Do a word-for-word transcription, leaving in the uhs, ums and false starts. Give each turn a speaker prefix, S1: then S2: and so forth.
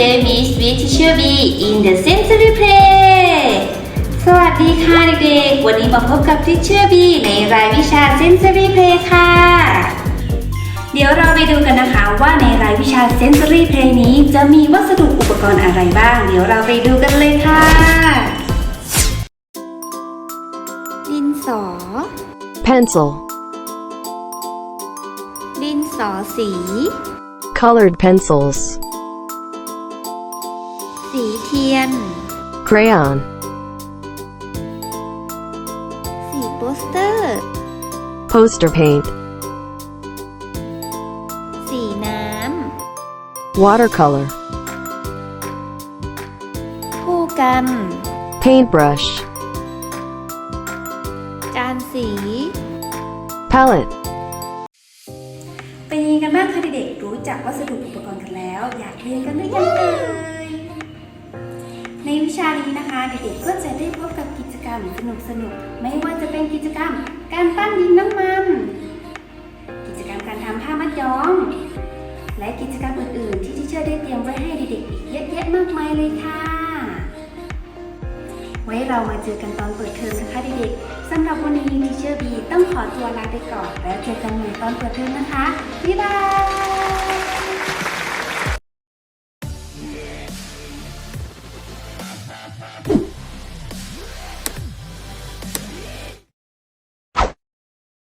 S1: Today meet with Teacher B in the Sensory Play สวัสดีค่ะเด็กๆวันนี้มาพบกับ Teacher B ในรายวิชา Sensory Play ค่ะเดี๋ยวเราไปดูกันนะคะว่าในรายวิชา Sensory Play นี้จะมีวัสดุอุปกรณ์อะไรบ้างเดี๋ยวเราไปดูกันเลยค่ะดินสอ
S2: Pencil.
S1: ดินสอสี
S2: Colored pencils.
S1: สีเทียน
S2: Crayon.
S1: สีโปสเตอร์
S2: Poster paint.
S1: สีน้
S2: Watercolor.
S1: ำผู้กัน
S2: Paintbrush.
S1: จานสี
S2: Palette.
S1: เป็นยังไงกันบ้างคะเด็กๆรู้จักวัสดุอุปกรณ์กันแล้วอยากเรียนกันหรือยังเอ่ยในวิชานี้นะคะเด็กๆก็จะได้พบกับกิจกรรมสนุกๆไม่ว่าจะเป็นกิจกรรมการปั้นดินน้ำมันกิจกรรมการทำผ้ามัดย้อมและกิจกรรมอื่นๆที่ที่เชื่อได้เตรียมไว้ให้เด็กๆอีกเยอะแยะมากมายเลยค่ะไว้เรามาเจอกันตอนเปิดเทอมนะคะเด็กๆสำหรับวันนี้ทีเชอร์บีต้องขอตัวลาไปก่อนแล้วเจอกันใหม่ตอนเปิดเทอมนะคะบ๊ายบาย